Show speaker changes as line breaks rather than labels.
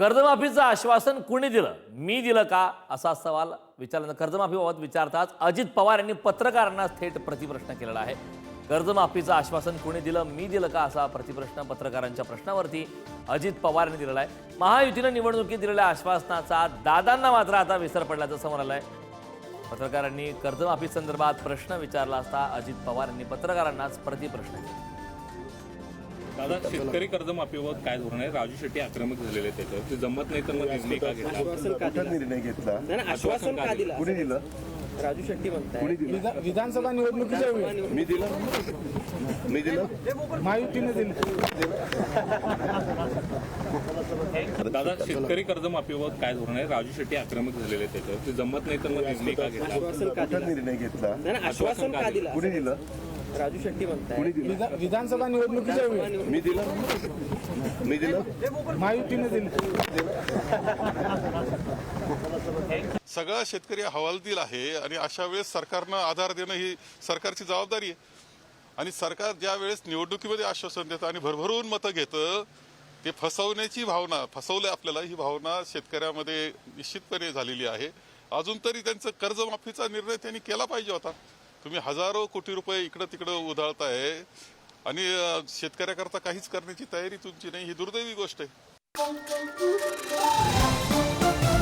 कर्जमाफीचं आश्वासन कुणी दिलं? मी दिलं का, असा सवाल विचारल्यानंतर कर्जमाफीबाबत विचारताच अजित पवार यांनी पत्रकारांना थेट प्रतिप्रश्न केलेला आहे. कर्जमाफीचं आश्वासन कुणी दिलं, मी दिलं का, असा प्रतिप्रश्न पत्रकारांच्या प्रश्नावरती अजित पवार यांनी दिलेला आहे. महायुतीनं निवडणुकीत दिलेल्या आश्वासनाचा दादांना मात्र आता विसर पडल्याचं समोर आलं आहे. पत्रकारांनी कर्जमाफी संदर्भात प्रश्न विचारला असता अजित पवार यांनी पत्रकारांनाच प्रतिप्रश्न केला.
दादा, शेतकरी कर्जमाफीवर काय धोरण आहे? राजू शेट्टी आक्रमक झालेले आहेत त्याच्यावर. ते जमत नाही तर मग निर्णय का घेतला?
निर्णय घेतला
आश्वासन का दिलं?
कुणी दिलं?
राजू शेट्टी म्हणतात
विधानसभा निवडणुकीच्या वेळी
मी दिलं
महायुतीने दिलं.
दादा, शेतकरी कर्जमाफीवर काय धोरण आहे? राजू शेट्टी आक्रमक झालेले आहेत त्याच्यावर. ते जमत नाही तर मग निर्णय का घेतला?
निर्णय घेतला
आश्वासन का दिलं?
कुणी दिलं?
राजू शेट्टी म्हणतात
विधानसभा निवडणुकीच्या वेळी
मी दिलं
महायुतीने दिलं.
सगळा शेतकरी हवालदिल आहे आणि अशा वेळेस सरकारनं आधार देणं ही सरकारची जबाबदारी आहे. आणि सरकार ज्या वेळेस निवडणुकीमध्ये आश्वासन देतं आणि भरभरून मतं घेतं, ते फसवण्याची भावना, फसवलं आपल्याला, ही भावना शेतकऱ्यामध्ये निश्चितपणे झालेली आहे. अजून तरी त्यांचं कर्जमाफीचा निर्णय त्यांनी केला पाहिजे होता. तुम्ही हजारो कोटी रुपये इकडं तिकडं उधळताय आणि शेतकऱ्याकरता काहीच करण्याची तयारी तुमची नाही, ही दुर्दैवी गोष्ट आहे.